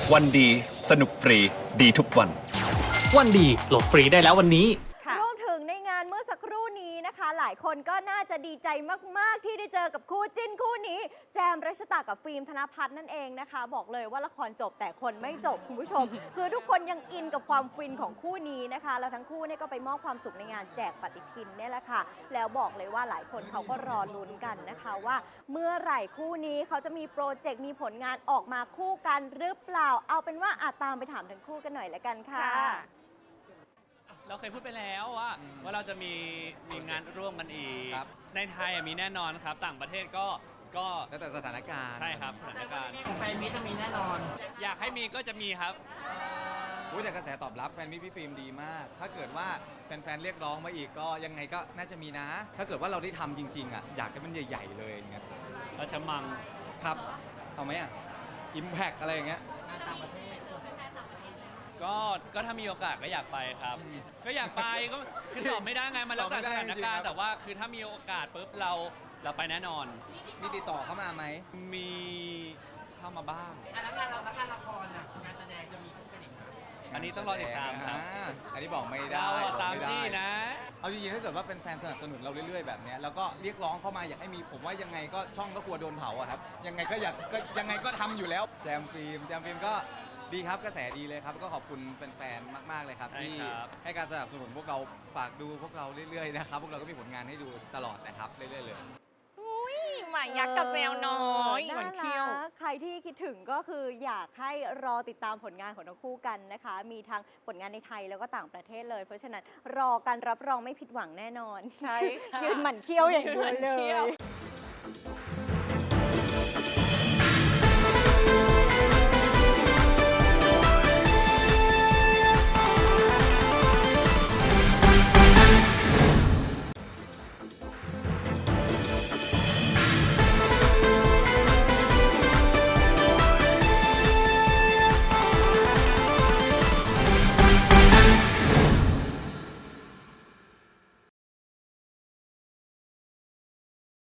วันดีสนุกฟรีดีทุกวันวันดีโหลดฟรีได้แล้ววันนี้รวมถึงในงานเมื่อสักครู่นี้นะคะ หลายคนก็น่าจะดีใจมากๆที่ได้เจอกับคู่จิ้นคู่นี้ แจมรัชตากับฟิล์มธนภัทรนั่นเองนะคะ บอกเลยว่าละครจบแต่คนไม่จบคุณผู้ชม คือทุกคนยังอินกับความฟินของคู่นี้นะคะแล้วทั้งคู่เนี่ยก็ไปมอบความสุขในงานแจกปฏิทินเนี่ยแหละค่ะแล้วบอกเลยว่าหลายคนเขาก็รอลุ้นกันนะคะว่าเมื่อไหร่คู่นี้เขาจะมีโปรเจกต์มีผลงานออกมาคู่กันหรือเปล่าเอาเป็นว่าตามไปถามทั้งคู่กันหน่อยละกันค่ะเราเคยพูดไปแล้วว่าเราจะมีงานร่วมกันอีกครับในไทยมีแน่นอนครับต่างประเทศก็แล้วแต่สถานการณ์ใช่ครับสถานการณ์แฟนมิตรจะมีแน่นอนอยากให้มีก็จะมีครับอุ๊ยแต่กระแสตอบรับแฟนมิตรพี่ฟิล์มดีมาก ถ้าเกิดว่าแฟนๆเรียกร้องมาอีกก็ยังไงก็น่าจะมีนะ ถ้าเกิดว่าเราได้ทำจริงๆอ่ะอยากให้มันใหญ่ๆเลยอย่างเงี้ยราชมังครับเอาไหมอ่ะอิมแพกอะไรอย่างเงี้ยก็ถ้ามีโอกาสก็อยากไปครับ ก็อยากไปก็คือตอบไม่ได้ไงมันแล้วแต่สถานการณ์แต่ว่าคือถ้ามีโอกาสปุ๊บเราไปแน่นอนมีติดต่อเข้ามาไหมมีเข้ามาบ้างแล้วงานละครน่ะงานแสดงจะมีคู่กันอีกไหมอันนี้ต้องรอติดตามครับอันนี้บอกไม่ได้เราบอกตามไม่ได้จี้นะเอาจริงๆถ้าเกิดว่าแฟนๆสนับสนุนเราเรื่อยๆแบบเนี้ยแล้วก็เรียกร้องเข้ามาอยากให้มีผมว่ายังไงก็ช่องก็กลัวโดนเผาอะครับยังไงก็อยากก็ยังไงก็ทำอยู่แล้วแจมฟิล์มก็ดีครับกระแสดีเลยครับก็ขอบคุณแฟนๆมากๆเลยครับใช่ที่ครับให้การสนับสนุนพวกเราฝากดูพวกเราเรื่อยๆนะครับพวกเราก็มีผลงานให้ดูตลอดนะครับเรื่อยๆเลยหมายักษ์กับแมวน้อยหวานเขี้ยวน่ารักใครที่คิดถึงก็คืออยากให้รอติดตามผลงานของทั้งคู่กันนะคะ มีทั้งผลงานในไทยแล้วก็ต่างประเทศเลย เพราะฉะนั้นรอการรับรองไม่ผิดหวังแน่นอนใช่ค่ะยืนหมั่นเขี้ยวอย่างเดียวยืนหมั่นเลเขี้ยวย